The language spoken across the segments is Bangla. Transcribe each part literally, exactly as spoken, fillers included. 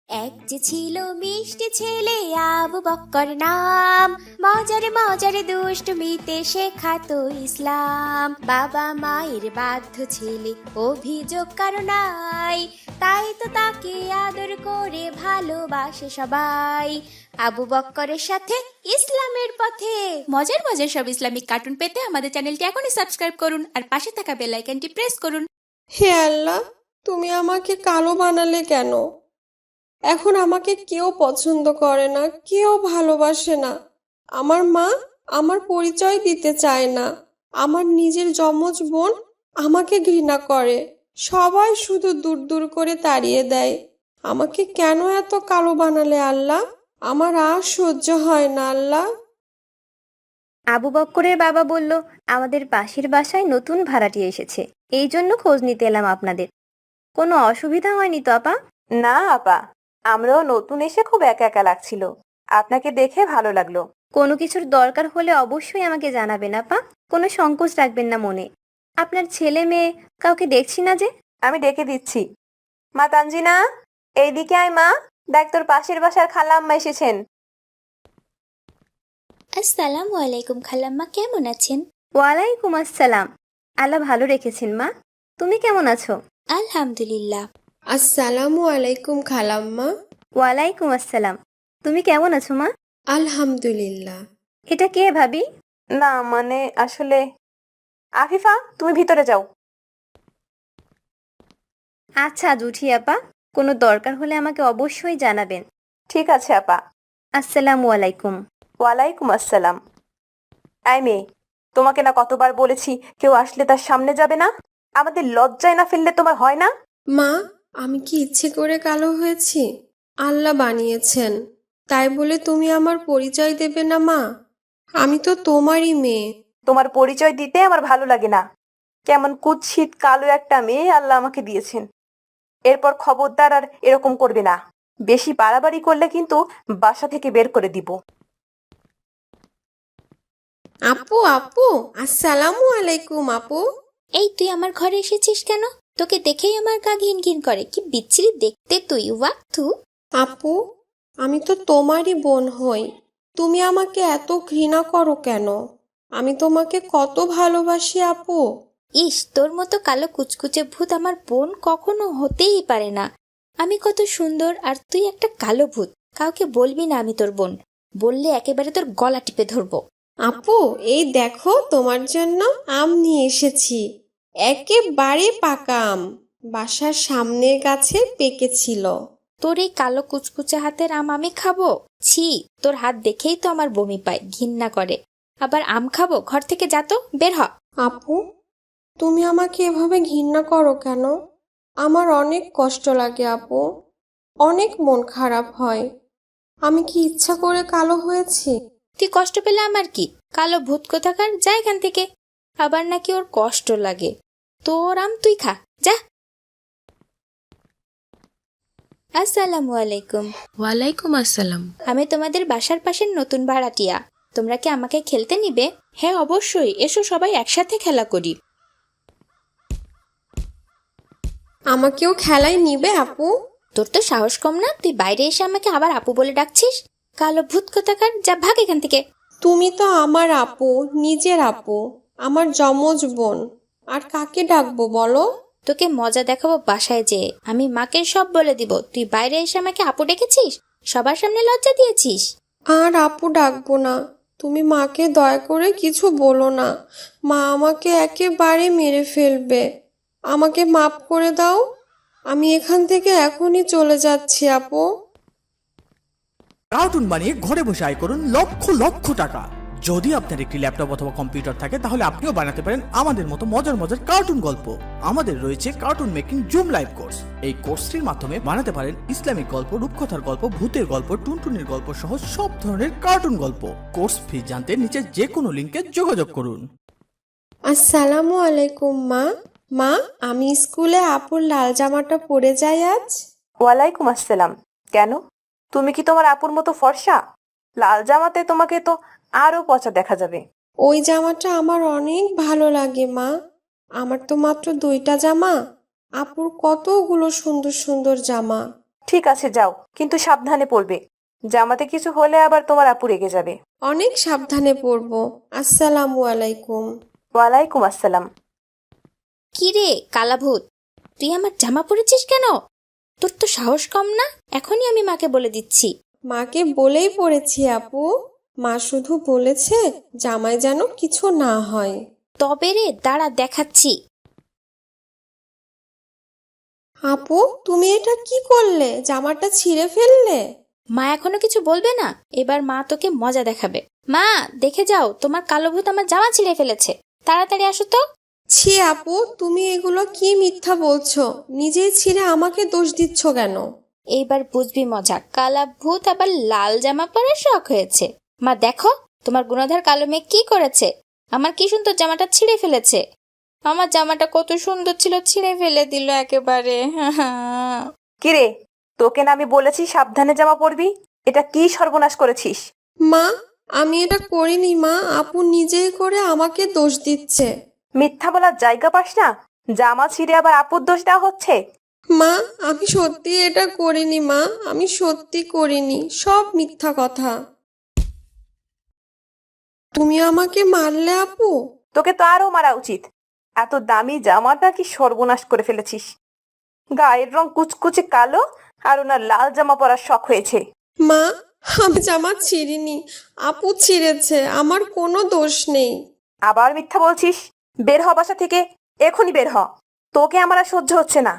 এক যে ছিল মিষ্টি ছেলে আবু বক্কর নাম, মজারে মজারে দুষ্টমিতে শেখাতো ইসলাম। বাবা মায়ের বাধ্য ছেলে অভিযোগ কারো নাই, তাই তো তাকে আদর করে ভালোবাসে সবাই। আবু বক্করের সাথে ইসলামের পথে মজার মজার সব ইসলামিক কার্টুন পেতে আমাদের চ্যানেলটি এখনই সাবস্ক্রাইব করুন আর পাশে থাকা বেল আইকনটি প্রেস করুন। হে আল্লাহ, তুমি আমাকে কালো বানালে কেন? এখন আমাকে কেউ পছন্দ করে না, কেউ ভালোবাসে না। আমার মা আমার পরিচয় দিতে চায় না। আমার নিজের যমজ বোন আমাকে ঘৃণা করে। সবাই শুধু দূর দূর করে তাড়িয়ে দেয়। আমাকে কেন এত কালো বানালে আল্লাহ? আমার আর সহ্য হয় না আল্লাহ। আবু বক্করের বাবা বলল, আমাদের পাশের বাসায় নতুন ভাড়াটিয়া এসেছে, এই জন্য খোঁজ নিতে এলাম আপনাদের। কোনো অসুবিধা হয়নি তো আপা? না আপা, আমরাও নতুন এসে খুব একা একা লাগছিল, আপনাকে দেখে ভালো লাগলো। কোনো কিছুর দরকার হলে অবশ্যই আমাকে জানাবেন আপা, কোনো সংকোচ রাখবেন না মনে। আপনার ছেলে মেয়ে কাউকে দেখছি না যে। আমি ডেকে দিচ্ছি। মা তানজিনা, এইদিকে আয় মা, দেখ তোর পাশের বাসার খালাম্মা এসেছেন। আসসালামু আলাইকুম খালাম্মা, কেমন আছেন? ওয়ালাইকুম আসসালাম। আল্লাহ ভালো রেখেছেন মা, তুমি কেমন আছো? আলহামদুলিল্লাহ। আসসালামু আলাইকুম খালাম্মা। ওয়ালাইকুম আসসালাম। তুমি কেমন আছো মা? আলহামদুলিল্লাহ। এটা কে ভাবি? না মানে আসলে, আফিফা তুমি ভিতরে যাও। আচ্ছা জুঠি আপা, কোনো দরকার হলে আমাকে অবশ্যই জানাবেন। ঠিক আছে আপা। আসসালামু আলাইকুম। ওয়ালাইকুম আসসালাম। আই মেয়ে, তোমাকে না কতবার বলেছি কেউ আসলে তার সামনে যাবে না? আমাদের লজ্জায় না ফেললে তোমার হয় না? মা, আমি কি ইচ্ছে করে কালো হয়েছি? আল্লাহ বানিয়েছেন, তাই বলে তুমি আমার পরিচয় দেবে না মা? আমি তো তোমারই মেয়ে। তোমার পরিচয় দিতে আমার ভালো লাগে না। কেমন কুৎসিত কালো একটা মেয়ে আল্লাহ আমাকে দিয়েছেন। এরপর খবরদার আর এরকম করবে না। বেশি বাড়াবাড়ি করলে কিন্তু বাসা থেকে বের করে দিব। আপু আপু আসসালামু আলাইকুম আপু। এই তুই আমার ঘরে এসেছিস কেন? তোকে দেখেই আমার গা ঘিন ঘিন করে। কি বিচ্ছিরি দেখতে তুই, ওয়াক্তু। আপু, আমি তো তোমারই বোন হই, তুমি আমাকে এত ঘৃণা করো কেন? আমি তোমাকে কত ভালোবাসি আপু। ইস, তোর মতো কালো কুচকুচে ভূত আমার বোন কখনো হতেই পারে না। আমি কত সুন্দর আর তুই একটা কালো ভূত। কাউকে বলবি না আমি তোর বোন, বললে একেবারে তোর গলা টিপে ধরবো। আপু, এই দেখো তোমার জন্য আম নিয়ে এসেছি। একেবারে পাকা আম, বাসার সামনের গাছে পেকেছিল। তোর এই কালো কুচকুচে হাতের আম আমি খাবো? ছি, তোর হাত দেখেই তো আমার বমি পায়, ঘৃণা করে। আবার আম খাবো? ঘর থেকে যা তো, বের হ। আপু, তুমি আমাকে এভাবে ঘৃণা করো কেন? আমার অনেক কষ্ট লাগে আপু, অনেক মন খারাপ হয়। আমি কি ইচ্ছা করে কালো হয়েছি? তুই কষ্ট পেলে আমার কি? কালো ভূত কোথাকার, যা এখান থেকে। আবার নাকি ওর কষ্ট লাগে। তোর আম তুই খা, যা। আসসালামু আলাইকুম। ওয়ালাইকুম আসসালাম। আমি তোমাদের বাসার পাশের নতুন ভাড়াটিয়া। তোমরা কি আমাকে খেলতে নিবে? হ্যাঁ অবশ্যই, এসো সবাই একসাথে খেলা করি। আমাকেও খেলায় নিবে আপু? তোর তো সাহস কম না, তুই বাইরে এসে আমাকে আবার আপু বলে ডাকছিস? কালো ভূত কোথাকার, যা ভাগ এখান থেকে। তুমি তো আমার আপু, নিজের আপু, আমার যমজ বোন। আর কাকে ডাকবো বলো? তোকে মজা দেখাবো বাসায় যেয়ে। আমি মাকে সব বলে দিব তুই বাইরে এসে আমাকে আপু ডেকেছিস, সবার সামনে লজ্জা দিয়েছিস। আর আপু ডাকবো না। তুমি মাকে দয়া করে কিছু বলো না, মা আমাকে একেবারে মেরে ফেলবে। আমাকে মাফ করে দাও, আমি এখান থেকে এখনই চলে যাচ্ছি আপু। কার্টুন বানিয়ে ঘরে বসে আয় করুন লক্ষ লক্ষ টাকা। যদি আপনার একটি ল্যাপটপ অথবা কম্পিউটার থাকে তাহলে আপনিও বানাতে পারেন আমাদের মতো মজার মজার কার্টুন গল্প। আমাদের রয়েছে cartoon making zoom live course. এই কোর্সটির মাধ্যমে বানাতে পারেন ইসলামিক গল্প, রূপকথার গল্প, ভূতের গল্প, টুনটুনির গল্প সহ সব ধরনের কার্টুন গল্প। কোর্স ফি জানতে নিচে যে কোনো লিংকে যোগাযোগ করুন। আসসালামু আলাইকুম মা। মা, আমি স্কুলে আপুর লাল জামাটা পরে যাই আজ? ওয়ালাইকুম আসসালাম। কেন, তুমি কি তোমার আপুর মতো ফর্সা? লাল জামাতে তোমাকে তো আরো পচা দেখা যাবে। ওই জামাটা আমার অনেক ভালো লাগে মা। আমার তো মাত্র দুইটা জামা, আপুর কতগুলো সুন্দর সুন্দর জামা। ঠিক আছে যাও, কিন্তু সাবধানে পড়বে। জামাতে কিছু হলে আবার তোমার আপু রেগে যাবে। অনেক সাবধানে পড়বো। আসসালামু আলাইকুম। ওয়ালাইকুম আসসালাম। কি রে কালাভূত, তুই আমার জামা পরেছিস কেন? তোর তো সাহস কম না? এখনই আমি মাকে বলে দিচ্ছি। মাকে বলেই পড়েছি আপু। মা শুধু বলেছে জামাই যেন কিছু না হয়। তবে রে দাঁড়া দেখাচ্ছি। আপু, তুমি এটা কি করলে? জামাটা ছিঁড়ে ফেললে? মা এখনো কিছু বলবে না, এবার মা তোকে মজা দেখাবে। মা দেখে যাও, তোমার কালো ভূত আমার জামা ছিঁড়ে ফেলেছে। তাড়াতাড়ি আসো তো। ছি আপু, তুমি এগুলো কি মিথ্যা বলছো? নিজেই ছিঁড়ে আমাকে দোষ দিচ্ছ কেন? এইবার বুঝবি মজা। কালা ভূত আবার লাল জামা পরার শখ হয়েছে। মা দেখো, তোমার গুণধর কালো মেয়ে কি করেছে। আমার কি সুন্দর জামাটা ছিঁড়ে ফেলেছে। আমার জামাটা কত সুন্দর ছিল, ছিঁড়ে ফেলে দিল একেবারে। কিরে, তোকে না আমি বলেছি সাবধানে জামা পরবি? এটা কি সর্বনাশ করেছিস? মা, আমি এটা করিনি মা। আপু নিজেই করে আমাকে দোষ দিচ্ছে। মিথ্যা বলার জায়গা পাস না? জামা ছিঁড়ে আবার আপুর দোষ দেওয়া হচ্ছে। মা, আমি সত্যি এটা করিনি মা। আমি সত্যি করিনি, সব মিথ্যা কথা। তুমি আমাকে মারলে আপু? তোকে তো আরো মারা উচিত। এত দামি জামাটা কি সর্বনাশ করে ফেলেছিস। গায়ের রং কুচকুচে কালো, আর ওনার লাল জামা পরার শখ হয়েছে। মা, আমি জামা ছিঁড়িনি, আপু ছিঁড়েছে। আমার কোনো দোষ নেই। আবার মিথ্যা বলছিস? বের হ বাসা থেকে, এখনই বের হ। তোকে আমার আর সহ্য হচ্ছে না।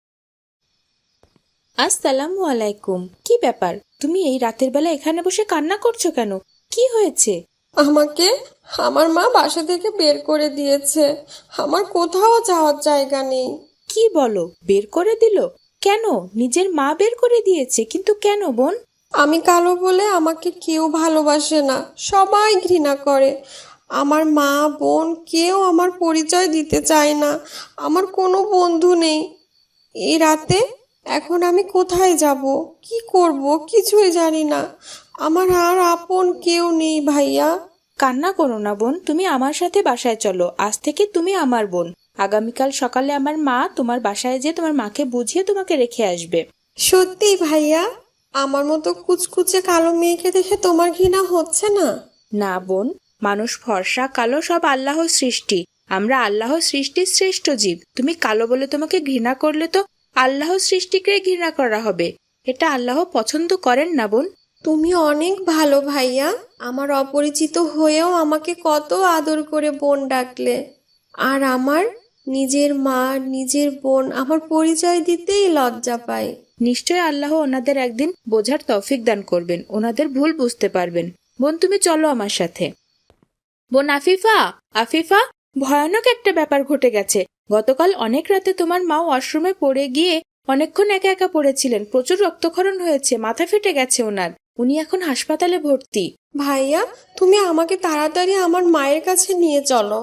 আসসালামু আলাইকুম। কি ব্যাপার, তুমি এই রাতের বেলা এখানে বসে কান্না করছো কেন? কি হয়েছে? আমাকে আমার মা বাসা থেকে বের করে দিয়েছে। আমার কোথাও যাওয়ার জায়গা নেই। কি বলো, বের করে দিল? কেন? নিজের মা বের করে দিয়েছে, কিন্তু কেন বোন? আমি কালো বলে আমাকে কেউ ভালোবাসে না, সবাই ঘৃণা করে। আমার মা বোন কেউ আমার পরিচয় দিতে চায় না। আমার কোনো বন্ধু নেই। এই রাতে এখন আমি কোথায় যাব, কি করব, কিছুই জানি না। আমার আর আপন কেউ নেই ভাইয়া। কান্না করো না বোন, তুমি আমার সাথে বাসায় চলো। আজ থেকে তুমি আমার বোন। আগামীকাল সকালে আমার মা তোমার বাসায় যেয়ে তোমার মাকে বুঝিয়ে তোমাকে রেখে আসবে। সত্যি ভাইয়া? আমার মতো কুচকুচে কালো মেয়েকে দেখে তোমার ঘৃণা হচ্ছে না? না বোন, মানুষ ফর্সা কালো সব আল্লাহর সৃষ্টি। আমরা আল্লাহর সৃষ্টির শ্রেষ্ঠ জীব। তুমি কালো বলে তোমাকে ঘৃণা করলে তো আল্লাহর সৃষ্টিকে ঘৃণা করা হবে। এটা আল্লাহ পছন্দ করেন না বোন। তুমি অনেক ভালো ভাইয়া। আমার অপরিচিত হয়েও আমাকে কত আদর করে বোন ডাকলে। আর আমার নিজের মা নিজের বোন আমার পরিচয় দিতেই লজ্জা পায়। নিশ্চয় আল্লাহ ওনাদের একদিন বোঝার তৌফিক দান করবেন, ওনাদের ভুল বুঝতে পারবেন। বোন তুমি চলো আমার সাথে। বোন আফিফা, আফিফা, ভয়ানক একটা ব্যাপার ঘটে গেছে। গতকাল অনেক রাতে তোমার মা ওয়াশরুমে পড়ে গিয়ে অনেকক্ষণ একা একা পড়েছিলেন। প্রচুর রক্তক্ষরণ হয়েছে, মাথা ফেটে গেছে ওনার। উনি এখন হাসপাতালে ভর্তি। ভাইয়া, তুমি আমাকে তাড়াতাড়ি আমার মায়ের কাছে নিয়ে চলো।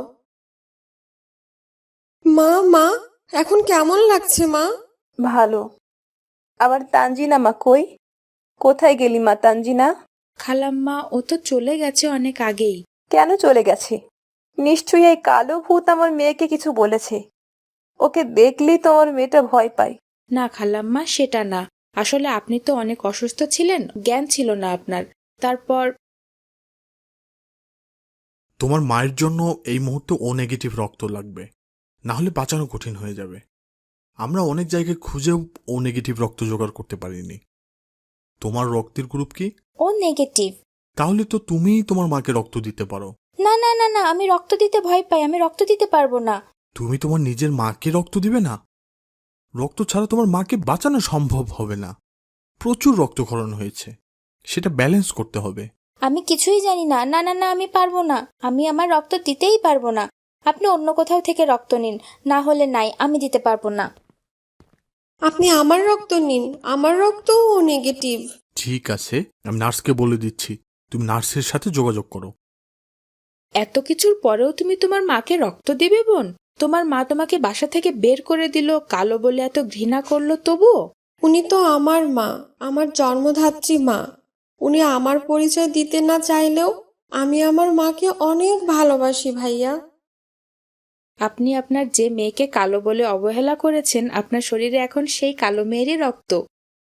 মা, মা, এখন কেমন লাগছে মা? ভালো। আবার তানজিনা মা কই? কোথায় গেলি মা তানজিনা? খালাম্মা, ও তো চলে গেছে অনেক আগেই। কেন চলে গেছে? নিশ্চয়ই এই কালো ভূত আমার মেয়েকে কিছু বলেছে। ওকে দেখলেই তো আমার মেয়েটা ভয় পায়। না খালাম্মা, সেটা না। আসলে আপনি তো অনেক অসুস্থ ছিলেন, জ্ঞান ছিল না আপনার। তারপর তোমার মায়ের জন্য এই মুহূর্তে ও নেগেটিভ রক্ত লাগবে, না হলে বাঁচানো কঠিন হয়ে যাবে। আমরা অনেক জায়গায় খুঁজেও ও নেগেটিভ রক্ত জোগাড় করতে পারিনি। তোমার রক্তের গ্রুপ কি? O negative. তাহলে তো তুমিই তোমার মাকে রক্ত দিতে পারো। না না না না, আমি রক্ত দিতে ভয় পাই, আমি রক্ত দিতে পারবো না। তুমি তোমার নিজের মাকে রক্ত দিবে না? রক্ত ছাড়া তোমার মাকে বাঁচানো সম্ভব হবে না। প্রচুর রক্তক্ষরণ হয়েছে, সেটা ব্যালেন্স করতে হবে। আমি কিছুই জানি না। না না না, আমি পারবো না। আমি আমার রক্ত দিতেই পারবো না। আপনি অন্য কোথাও থেকে রক্ত নিন, না হলে নাই, আমি দিতে পারবো না। আপনি আমার রক্ত নিন, আমার রক্তও ও নেগেটিভ। ঠিক আছে, আমি নার্সকে বলে দিচ্ছি, তুমি নার্সের সাথে যোগাযোগ করো। এত কিছুর পরেও তুমি তোমার মাকে রক্ত দিবে বোন? তোমার মা তোমাকে বাসা থেকে বের করে দিল, কালো বলে এত ঘৃণা করলো, তবুও? উনি তো আমার মা, আমার জন্মধাত্রী মা। উনি আমার পরিচয় দিতে না চাইলেও আমি আমার মাকে অনেক ভালোবাসি ভাইয়া। আপনি আপনার যে মেয়েকে কালো বলে অবহেলা করেছেন, আপনার শরীরে এখন সেই কালো মেয়েরই রক্ত।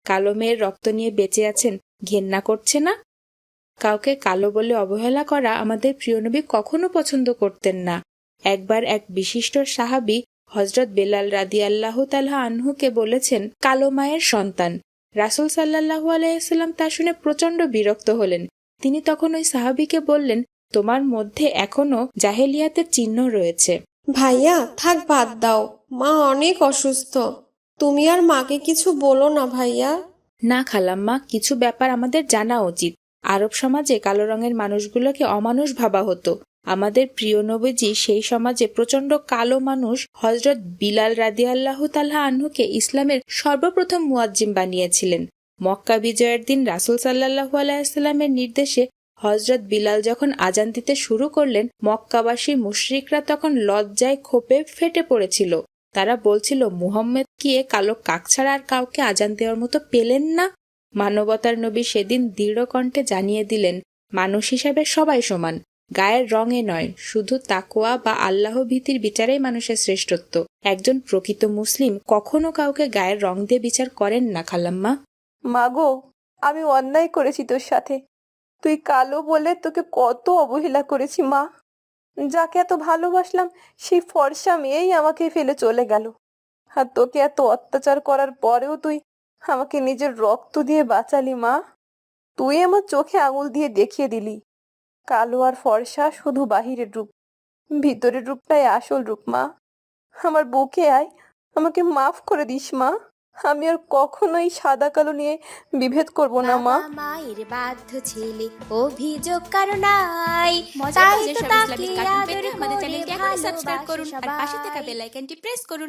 কালো মেয়ের রক্ত নিয়ে বেঁচে আছেন, ঘেন্না করছে না? কাউকে কালো বলে অবহেলা করা আমাদের প্রিয় নবী কখনো পছন্দ করতেন না। একবার এক বিশিষ্ট সাহাবী হযরত বেলাল রাদিয়াল্লাহু তাআলা আনহুকে বলেছেন কালো মায়ের সন্তান। রাসূল সাল্লাল্লাহু আলাইহি ওয়াসাল্লাম তা শুনে প্রচণ্ড বিরক্ত হলেন। তিনি তখন ওই সাহাবীকে বললেন, তোমার মধ্যে এখনো জাহেলিয়াতের চিহ্ন রয়েছে। ভাইয়া থাক, বাদ দাও, মা অনেক অসুস্থ। তুমি আর মাকে কিছু বলো না ভাইয়া। না খালাম্মা, কিছু ব্যাপার আমাদের জানা উচিত। আরব সমাজে কালো রঙের মানুষগুলোকে অমানুষ ভাবা হতো। আমাদের প্রিয় নবীজি সেই সমাজে প্রচণ্ড কালো মানুষ হযরত বিলাল রাদিয়াল্লাহু তাআলা আনহুকে ইসলামের সর্বপ্রথম মুয়াজ্জিম বানিয়েছিলেন। মক্কা বিজয়ের দিন রাসূল সাল্লাল্লাহু আলাইহি ওয়াসাল্লামের নির্দেশে হযরত বিলাল যখন আজান দিতে শুরু করলেন, মক্কাবাসী মুশরিকরা তখন লজ্জায় ক্ষোভে ফেটে পড়েছিল। তারা বলছিল, মুহাম্মদ কি এ কালো কাক ছাড়া আর কাউকে আজান দেওয়ার মতো পেলেন না? মানবতার নবী সেদিন দৃঢ় কণ্ঠে জানিয়ে দিলেন, মানুষ হিসাবে সবাই সমান, গায়ের রঙে নয়, শুধু তাকওয়া বা আল্লাহ ভীতির বিচারেই মানুষের শ্রেষ্ঠত্ব। একজন প্রকৃত মুসলিম কখনো কাউকে গায়ের রং দিয়ে বিচার করেন না খালাম্মা। মাগো, আমি অন্যায় করেছি তোর সাথে। তুই কালো বলে তোকে কত অবহেলা করেছি মা। যাকে এত ভালোবাসলাম সেই ফর্সা মেয়েই আমাকে ফেলে চলে গেল। আর তোকে এত অত্যাচার করার পরেও তুই আমাকে নিজের রক্ত দিয়ে বাঁচালি মা। তুই আমার চোখে আঙুল দিয়ে দেখিয়ে দিলি, কালো আর ফর্সা শুধু বাহিরের রূপ, ভিতরের রূপটাই আসল রূপ মা। আমার বুকে আয়, আমাকে মাফ করে দিস মা। আমি আর কখনোই সাদা কালো নিয়ে বিভেদ করব না মা। বাবা মায়ের বাধ্য ছেলে, অভিযোগ কারো নাই। মজার তাই মজার তো সব তাকে ইসলামিক কার্টুন পেতে আদর আমাদের করে চ্যানেলটি এখনই সাবস্ক্রাইব ভালোবাসে করুন আর পাশে থাকা সবাই। বেল আইকনটি প্রেস করুন।